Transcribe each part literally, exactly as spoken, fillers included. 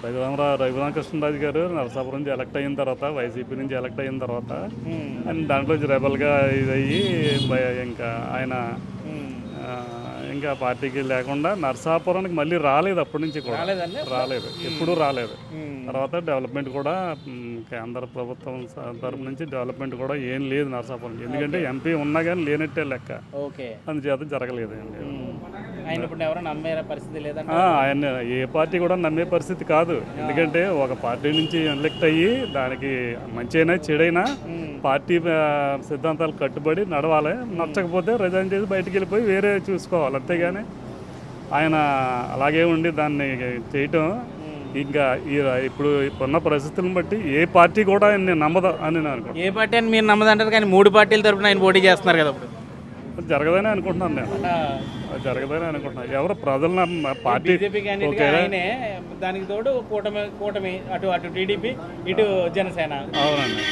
రఘురామ రఘురామకృష్ణరాజు గారు నరసాపురం నుంచి ఎలక్ట్ అయిన తర్వాత వైసీపీ నుంచి ఎలక్ట్ అయిన తర్వాత ఆయన దాంట్లో రెబల్గా ఇదయ్యి బయ- ఇంకా ఆయన ఆ, ఇంకా పార్టీకి లేకుండా నరసాపురానికి మళ్ళీ రాలేదు అప్పటి నుంచి కూడా రాలేదు ఎప్పుడూ రాలేదు. తర్వాత డెవలప్మెంట్ కూడా మ్, కేంద్ర ప్రభుత్వం స- తరపు నుంచి డెవలప్మెంట్ కూడా ఏం లేదు నరసాపురం, ఎందుకంటే ఎంపీ ఉన్నా కానీ లేనట్టే లెక్క, ఓకే. అందుచేత జరగలేదు అండి. ఆయన ఇప్పుడు ఎవరు నమ్మే పరిస్థితి లేదంటే ఆ, ఆయన ఏ పార్టీ కూడా నమ్మే పరిస్థితి కాదు, ఎందుకంటే ఒక పార్టీ నుంచి ఎలక్ట్ అయ్యి దానికి మంచైనా చెడైనా పార్టీ ఆ, సిద్ధాంతాలు కట్టుబడి నడవాలి, నచ్చకపోతే రిజైన్ చేసి బయటికి వెళ్ళిపోయి వేరే చూసుకోవాలి, అంతేగాని ఆయన అలాగే ఉండి దాన్ని చేయటం ఇంకా ఈ ఇప్పుడు ఇప్పుడున్న పరిస్థితులను బట్టి ఏ పార్టీ కూడా ఆయన నమ్మదు అని నేను అనుకుంటున్నాను. ఏ పార్టీ అని మీరు నమ్మదంటారు, కానీ మూడు పార్టీల తరపున ఆయన పోటీ చేస్తున్నారు కదా ఇప్పుడు. జరగదని అనుకుంటున్నాను నేను, అది జరగదని అనుకుంటున్నాను. ఎవరు ప్రజలు నమ్మ- పార్టీ బీజేపీ క్యాండిడేట్ ఆయనే, దానికి తోడు కూటమి కూటమి అటు అటు టీడీపీ ఇటు జనసేన. అవునండి,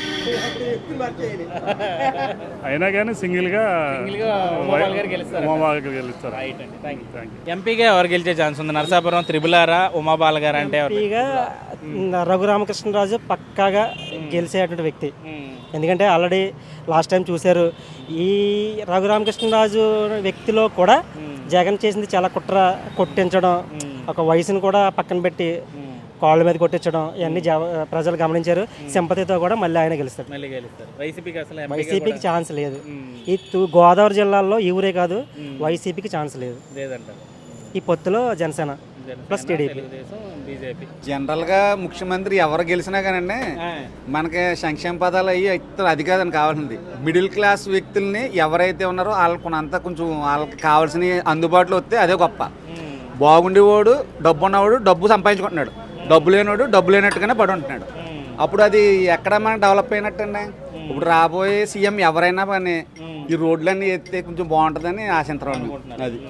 అయినా కానీ సింగిల్గా సింగిల్గా ఉమాబాల గారు గెలుస్తారు. ఉమాబాల గారు గెలుస్తారు. రైట్ అండి, థ్యాంక్ యూ. Thank you. ఎంపీగా ఎవరు గెలిచే ఛాన్స్ ఉంది? నరసాపురం త్రిబులారా ఉమాబాల గారు అంటే ఎవరు? ఎంపీగా రఘురామకృష్ణరాజు పక్కాగా గెలిచేటువంటి వ్యక్తి, ఎందుకంటే ఆల్రెడీ లాస్ట్ టైం చూశారు. ఈ రఘురామకృష్ణరాజు వ్యక్తిలో కూడా జగన్ చేసింది చాలా కుట్ర, కొట్టించడం, ఒక వయసును కూడా పక్కన పెట్టి కాళ్ళ మీద కొట్టించడం, ఇవన్నీ జవ- ప్రజలు గమనించారు. సింపతితో కూడా మళ్ళీ ఆయన గెలుస్తారు. మళ్ళీ గెలుస్తారు. వైసీపీకి అసలు ఎంపీగా వైసీపీకి ఛాన్స్ లేదు. ఈ తూ- గోదావరి జిల్లాలో ఈ ఊరే కాదు, వైసీపీకి ఛాన్స్ లేదు. లేదంటారు. ఈ పొత్తులో Janasena plus TDP. Telugu Desam, BJP. జనరల్గా ముఖ్యమంత్రి ఎవరు గెలిచినా కానండి మనకి సంక్షేమ పదాలు అయ్యి ఇస్తారు, అది కాదని కావాల్సింది. మిడిల్ క్లాస్ వ్యక్తుల్ని ఎవరైతే ఉన్నారో వాళ్ళకు కొంత కొంచెం వాళ్ళకి కావాల్సిన అందుబాటులో వస్తే అదే గొప్ప. బాగుండేవాడు డబ్బు ఉన్నవాడు డబ్బు సంపాదించుకుంటున్నాడు, డబ్బు లేనివాడు డబ్బు లేనట్టుగానే పడి ఉంటున్నాడు. అప్పుడు అది ఎక్కడ మనకు డెవలప్ అయినట్టండి. ఇప్పుడు రాబోయే సీఎం ఎవరైనా కానీ ఈ రోడ్లన్నీ ఎత్తే కొంచెం బాగుంటుందని ఆశించడం అది.